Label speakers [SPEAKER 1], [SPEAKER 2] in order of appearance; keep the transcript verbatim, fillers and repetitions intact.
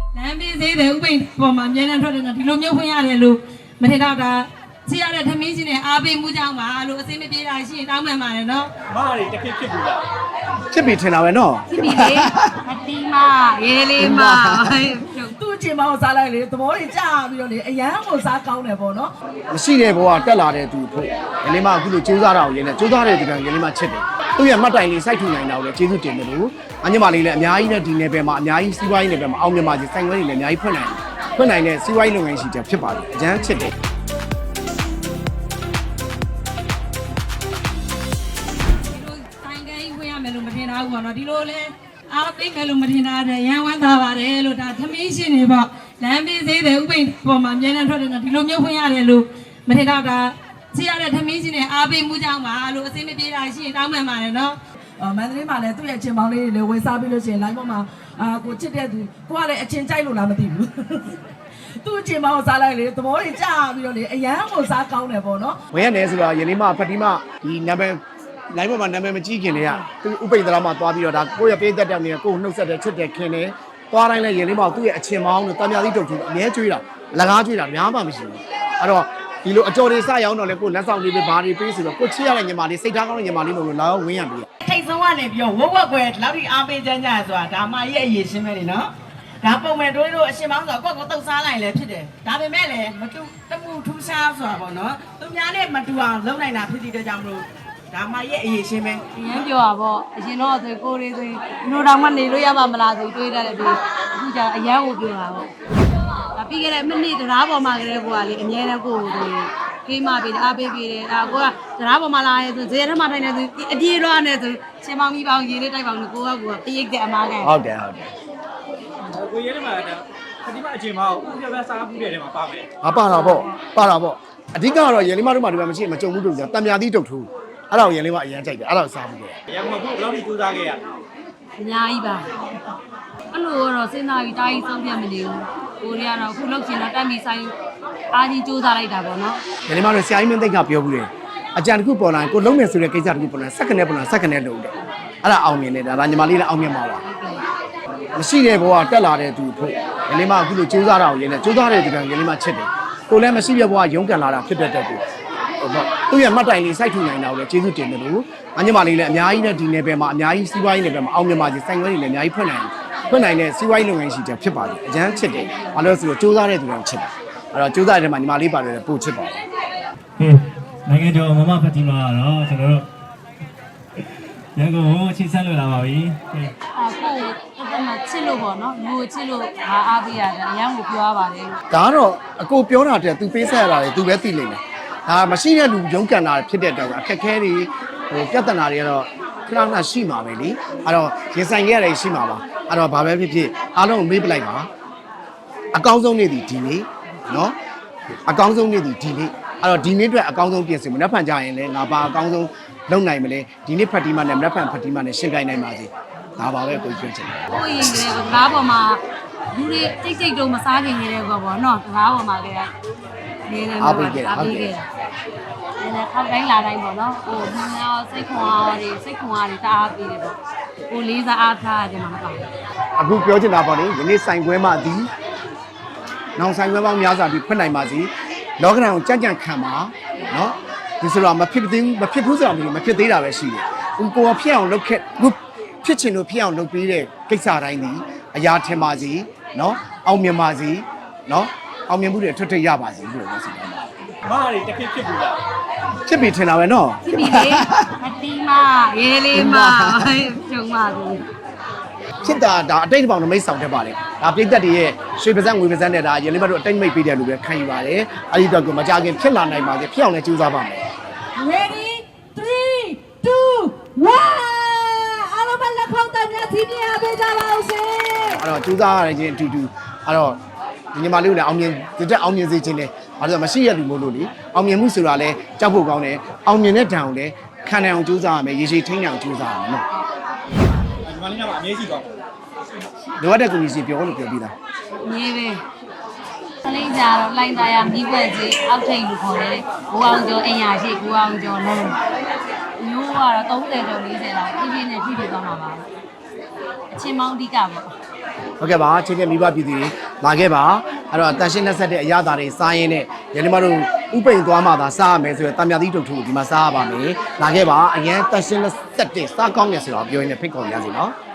[SPEAKER 1] လမ်းပေးသေးတယ်ဥပိ္ပပေါ်မှာအများနဲ့ထွက်တယ်ဒီလိုမျိုးဖွင့်ရတယ်လို့မထင်တော့တာချရတဲ့သမီးချင်းနဲ့အားပေးမှုကြောင့်ပါလို့အစိမ့်မပြေတာရှိရင်တောင်းပန်ပါတယ်နော်
[SPEAKER 2] မရီတခင်ဖြစ်ဘူးလား
[SPEAKER 3] ဖြစ်ပြီထင်တာပဲနော်
[SPEAKER 1] ဖြစ်ပြီလေအတီးမရေးလေးမ
[SPEAKER 4] သူ့အချိန်မောင်းစားလိုက်လေသဘောတွေကြာပြီးတော့လေအရန်ကိုစားကောင်းတယ်ပေါ့နော်
[SPEAKER 3] မရှိတဲ့ဘဝတက်လာတဲ့သူဖို့ရလေးမအခုလိုကြိုးစားတာကိုရင်းနဲ့ကြိုးစားတဲ့ဒီကံရလေးမချစ်တယ်သူ့ရဲ့မှတ်တိုင်လေးစိုက်ထူနိုင်တာကိုလည်းကျေးဇူးတင်တယ်လို့အညီမလေးလည်းအများကြီးနဲ့ဒီနယ်ပယ်မှာအများကြီးစီးပွားရေးနယ်ပယ်မှာအောင်မြင်ပါစေစိုင်ခွဲတွေလည်းအများကြီးဖွင့်နိုင်တယ်ဖွင့်နိုင်တဲ့စီးပွားရေးလုပ်ငန်းရှိတဲ့ဖြစ်ပါတယ်အကျန်းချစ်တယ်
[SPEAKER 1] လို့မထင်တာဘူးပေါ့နော်ဒီလိုလဲအားပေးမယ်လို့မထင်တာတဲ့ရန်ဝမ်းသာပါတယ်လို့ဒါသမီးရှင်တွေပေါ့လမ်းပေးသေးတယ်ဥပိ္ပပေါ်မှာအများနဲ့ထွက်တယ်ဒီလိုမျိုးဖွင့်ရတယ်လို့မထင်တော့တာချရတဲ့သမီးရှင်တွေအားပေးမှုကြောင့်ပါလို့အစိမ့်မပြေတာရှိရင်တောင်းပန်ပါတယ်နော်
[SPEAKER 4] မန္တလေးမှာလည်းသူ့ရဲ့အချင်းပေါင်းလေးတွေလည်းဝယ်စားပြီးလို့ရှိရင် live ပေါ်မှာအာကိုချစ်တဲ့သူကိုကလည်းအချင်းကြိုက်လို့လားမသိဘူးသူ့အချင်းပေါင်းစားလိုက်လေသဘောတွေကြာပြီးတော့လေအရန်ကိုစားကောင်းတယ်ပေါ့နော်
[SPEAKER 3] ဝင်ရတယ်ဆိုတာရလေးမဖတိမဒီနံပါတ်လိုင်းပေါ်မှာနာမည်မကြီးခင်လေကသူဥပိ္ပဒရာမှာသွားပြီးတော့ဒါကိုယ့်ရဲ့ပေးသက်တဲ့နေကိုယ်နှုတ်ဆက်တဲ့ချစ်တဲ့ခင်တယ်သွားတိုင်းလဲရင်လေးမောင်သူ့ရဲ့အချင်းမောင်းတို့တံမြာသီးတုတ်ထူအမြဲကျွေးတာလကားကျွေးတာများမှမရှိဘူးအဲ့တော့ဒီလိုအကြော်တွေစရောက်တော့လဲကိုယ်လက်ဆောင်လေးပဲဘာတွေပေးဆိုတော့ကိုချစ်ရတဲ့ညီမလေးစိတ်ထားကောင်းတဲ့ညီမလေးလို့လာတော့ဝင်းရပြီ
[SPEAKER 5] ထိတ်ဆုံးကနေပြီးတော့ဝက်ဝက်ကွယ်လောက်ထိအားပေးကြကြဆိုတာဒါမှရဲ့အရေးရှင်းပဲလေနော်ဒါပုံမဲ့တွေးလို့အရှင်မောင်းဆိုတော့ကိုယ့်ကိုတုတ်စားလိုက်လဲဖြစ်တယ်ဒါပေမဲ့လည်းမတူတမှုထူးဆန်းဆိုတာပေါ့နော်သူများနဲ့မတူအောင်လုပ်နိုင်တာဖြစ်တဲ့ကြောင့်မလို့ဒါမှရဲ့အရေးရှင်းပဲ
[SPEAKER 1] အရင်ပြောတာပေါ့အရင်တော့ဆိုကိုလေးဆိုနိုးတောင်မှနေလို့ရပါမလားဆိုတွေးတတ်တယ်ပြီးအခုကျအရန်ကိုပြောတာပေါ့ဒါပြီးခဲ့တဲ့မိနစ်တရားပေါ်မှာကလေးကိုကလေအမြဲတမ်းကိုကိုကေးမပေးတယ်အားပေးပေးတယ်ဒါကိုကတရားပေါ်မှာလာရဲဆိုဇေယျထမထိုင်နေဆိုအပြေတော့နေဆိုချင်းမောင်ကြီးပေါင်းရေးလေးတိုက်ပေါင်းကိုကိုကကိုကပိတ်တဲ့အမားကန်
[SPEAKER 3] ဟုတ်တယ်ဟုတ်တယ်
[SPEAKER 2] ကိုရဲထဲမှာဒါခတိမအချိန်မှာဥပြပြစားမှုတဲ့ထဲမှာပါမယ်
[SPEAKER 3] ဟာပါတာပေါ့ပါတာပေါ့အဓိကတော့ရလေးမတို့မှဒီမှာမရှိမကြုံဘူးတူကြတံမြာသီးတုတ်ထူအဲ့ဒါကိုရလေးမအရင်ကြိုက်တယ်အဲ့ဒါကိုစားပြီးတယ်
[SPEAKER 2] ရန်ကုန်ကဘယ်လောက်ထိစူးစမ်းခဲ့ရ
[SPEAKER 1] အများကြီးပါအဲ့လိုတော့စဉ်းစားပြီးတားကြီးဆုံးပြတ်မနေဘူးကိုရီးယားတော့အခုလောက်ချင်တော့တက်ပြီးဆိုင်အားကြီးစူးစမ်းလိုက်တာပေါ့နော်
[SPEAKER 3] ရလေးမတို့ဆရာကြီးမင်းသိက္ခာပြောဘူးလေအကြံတစ်ခုပေါ်လာရင်ကိုလုံးမယ်ဆိုတဲ့ကိစ္စတစ်ခုပေါ်လာစက္ကနဲ့ပေါ်လာစက္ကနဲ့လုပ်တယ်အဲ့ဒါအောင်မြင်တယ်ဒါညီမလေးလည်းအောင်မြင်ပါပါမရှိတဲ့ဘဝတက်လာတဲ့သူဖို့ရလေးမအခုလိုစူးစမ်းတာကိုရင်းနဲ့စူးစမ်းတဲ့ဒီကံရလေးမချစ်တယ်ကိုလည်းမရှိတဲ့ဘဝရုန်းကန်လာတာဖြစ်တဲ့တက်တူသူ့ရဲ့မှတ်တိုင်လေးစိုက်ထူနိုင်တာကိုလည်းကျေးဇူးတင်တယ်လို့အညီမလေးလည်းအများကြီးနဲ့ဒီနယ်ပယ်မှာအများကြီးစီးပွားရေးနယ်ပယ်မှာအောင်မြင်ပါစေစိုင်ခွဲတွေလည်းအများကြီးဖွင့်နိုင်ဖွင့်နိုင်တဲ့စီးပွားရေးလုပ်ငန်းရှိတဲ့ဖြစ်ပါတယ်အကျန်းချစ်တယ်ဘာလို့လဲဆိုတော့စူးစမ်းတဲ့သူတွေချစ်တယ်အဲ့တော့စူးစမ်းတဲ့ထဲမှာညီမလေးပါတယ်ပို့ချစ်ပါတယ်
[SPEAKER 2] ဟေးနိုင်ငံကျော်မမဖတ်တီမာကတော့ကျွန်တော်တို့ရန်ကုန်ကိုချိတ်ဆက်လို့လာပါပြီ
[SPEAKER 1] ဟေးအခုအဲ့မှာချစ်လို့ပေါ့နော်လူကိုချစ်လို့အားအားပေးရတယ်အရန်ကိုပြောရပါတယ်
[SPEAKER 3] ဒါကတော့အကိုပြောတာတည်းသူပေးဆက်ရတာလေသူပဲသိလိမ့်မယ်ဒါမရှိတဲ့လူရုန်းကန်တာဖြစ်တဲ့အတွက်အခက်ခဲတွေဟိုပြဿနာတွေကတော့ခဏခဏရှိမှာပဲလေအဲ့တော့ရင်ဆိုင်ခဲ့ရတယ်ရှိမှာပါအဲ့တော့ဘာပဲဖြစ်ဖြစ်အားလုံးကိုမေးပလိုက်ပါအကောင်းဆုံးနေ့ဒီဒီနေ့နော်အကောင်းဆုံးနေ့ဒီဒီနေ့အဲ့တော့ဒီနေ့အတွက်အကောင်းဆုံးပြင်ဆင်မနှက်ဖန်ကြရင်လည်းငါပါအကောင်းဆုံးလုပ်နိုင်မလဲဒီနေ့ဖတ်တီမနဲ့မနှက်ဖန်ဖတ်တီမနဲ့ရှင်းပြနိုင်ပါစေဒါပါပဲကိုပြောချင်တယ်
[SPEAKER 1] ဟိုရင်ကလေးကကားပေါ်မှာလူတွေတိတ်တိတ်တော့မစားခင်နေတဲ့ကောပေါ့နော်ကားပေါ်မှာကလေးနေနေမှာအားပေးခဲ့တာဟုတ်ကဲ့နည်းနည်းထောက်တိုင်းလာတိုင်းပေါ့နော်ဟိုဒီနောက်စိတ်ခွန်အားတွေစိတ်ခွန်အားတွေတအားပေးတယ်ပေါ့ဟိုလေးစားအားထားရတယ်မှာမဟုတ်
[SPEAKER 3] ဘူးအခုပြောချင်တာပေါ့လေယနေ့ဆိုင်ခွဲမှဒီနောက်ဆိုင်ခွဲပေါင်းများစွာပြီးဖွင့်နိုင်ပါစေလောကဓာတ်ကိုကြံ့ကြံ့ခံပါနော်ဒီဆိုတော့မဖြစ်သေးဘူးမဖြစ်ဘူးဆိုတော့မဖြစ်သေးတာပဲရှိတယ်ဥကိုယ်ဖြစ်အောင်လုပ်ခဲ့ဖြစ်ချင်လို့ဖြစ်အောင်လုပ်ပေးတဲ့ကိစ္စတိုင်းဒီအရာထင်ပါစေနော်အောင်မြင်ပါစေနော်အောင်မြင်မှုတွေအထွတ်ထိပ်ရပါစေလို့ပြောစီတယ်
[SPEAKER 2] မရီတခင်ဖြစ်ဘူးလား
[SPEAKER 3] ဖြစ်ပြီထင်တာပဲနော်
[SPEAKER 1] ဖြစ်ပြီလေအတီးမရေးလေးမကျုံပါဘူး
[SPEAKER 3] ဖြစ်တာဒါအတိတ်ဘောင်နမိတ်ဆောင်တတ်ပါလေဒါပြိသက်တွေရဲ့ရွှေပါးစံငွေပါးစံနဲ့ဒါရင်းလေးမတို့အတိတ်မိတ်ပေးတယ်လို့ပဲခံယူပါတယ်အဲဒီတော့ကိုမကြခင်ဖြစ်လာနိုင်ပါစေဖြစ်အောင်လည်းကြိုးစားပါမယ်
[SPEAKER 4] Ready three two one အားလုံးပဲလက်ခေါင်းတည်းများစီးနေရပေးကြပါဦးရှင်
[SPEAKER 3] အဲ့တော့ကြိုးစားရတဲ့ချင်းအတူတူအဲ့တော့ဒီညီမလေးကိုလည်းအောင်မြင်တဲ့အောင်မြင်စေခြင်းနဲ့ဘာလို့မရှိရလူမို့လို့လေအောင်မြင်မှုဆိုတာလဲကြောက်ဖို့ကောင်းတယ်အောင်မြင်တဲ့ဓာတ်ကိုလည်းခံနိုင်အောင်ကြိုးစားရမယ်ရေရှည်ထိန်းနိုင်အောင်ကြိုးစားရမယ်နော်
[SPEAKER 2] ဒီမလေးကလည်းအမြဲရှိသွား
[SPEAKER 3] လိုအပ်တဲ့ကိုကြီးစီပြောလို့ပြောပြီးသား
[SPEAKER 1] မြေပဲကလေးကြတော့လိုင်းသားရမိဘကြီးအောက်ထိပ်လို့ခေါ်တယ်ကိုအောင်ကျော်အင်ယာရှိကိုအောင်ကျော်လုံးမျိုးကတော့သုံးဆယ်ကျော်လေးဆယ်လောက်ပြည့်ပြည့်နဲ့ဖြည့်ပြည့်သွားမှာပါအချင်းမောင်းအဓိကပေါ့
[SPEAKER 3] ဟုတ်ကဲ့ပါချစ်တဲ့မိဘပြည်သူတွေလာခဲ့ပါအဲ့တော့တန်ရှင်းလက်ဆက်တဲ့အရာသားတွေစားရင်းနဲ့ညီမတို့ဥပိန်သွားမှသာစားရမယ်ဆိုတော့တာမြသီးတုတ်ထူဒီမှာစားရပါမယ်လာခဲ့ပါအရင်တန်ရှင်းလက်ဆက်တဲ့စားကောင်းနေဆိုတော့ပြောရင်းနဲ့ဖိတ်ခေါ်ရစီနော်